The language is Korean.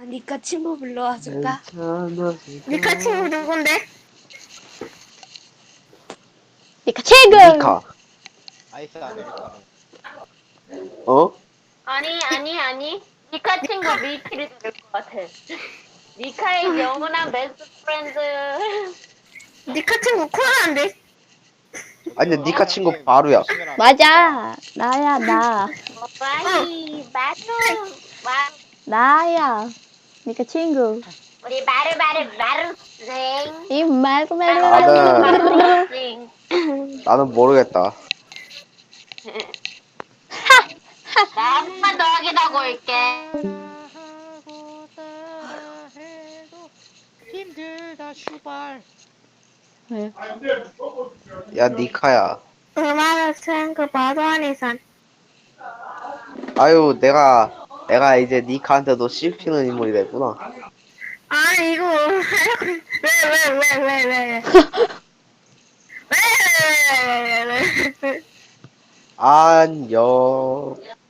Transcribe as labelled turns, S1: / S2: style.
S1: 니카 친구 불러와 줄까?
S2: 니카 친구 누군데?
S3: 니카 친구!
S4: 니카.
S5: 아이스 아메리카노.
S4: 어?
S6: 아니. 니카 친구 밀키를 들을 것 같아. 니카의 영원한 베스트 프렌드.
S2: 니카 친구 코난데?
S4: 아니 근데 니카 친구
S5: 형님,
S4: 바로야.
S5: 조심해라.
S3: 맞아! 나야, 나.
S6: 와이,
S3: 나야. 니카 친구.
S6: 우리 마루 생.
S3: 이 말고
S4: 나는-
S6: 생.
S4: 나는 모르겠다.
S6: 나 한 번만 더 확인하고 올게.
S5: 하고 따라 해도 힘들다 슈발.
S3: 왜?
S4: 야 니카야.
S2: 얼마나 생그 바도 아니산.
S4: 아유 내가 이제 니카한테도 씹히는 인물이 됐구나.
S2: 아니 이거 왜? 왜?
S4: 안녕.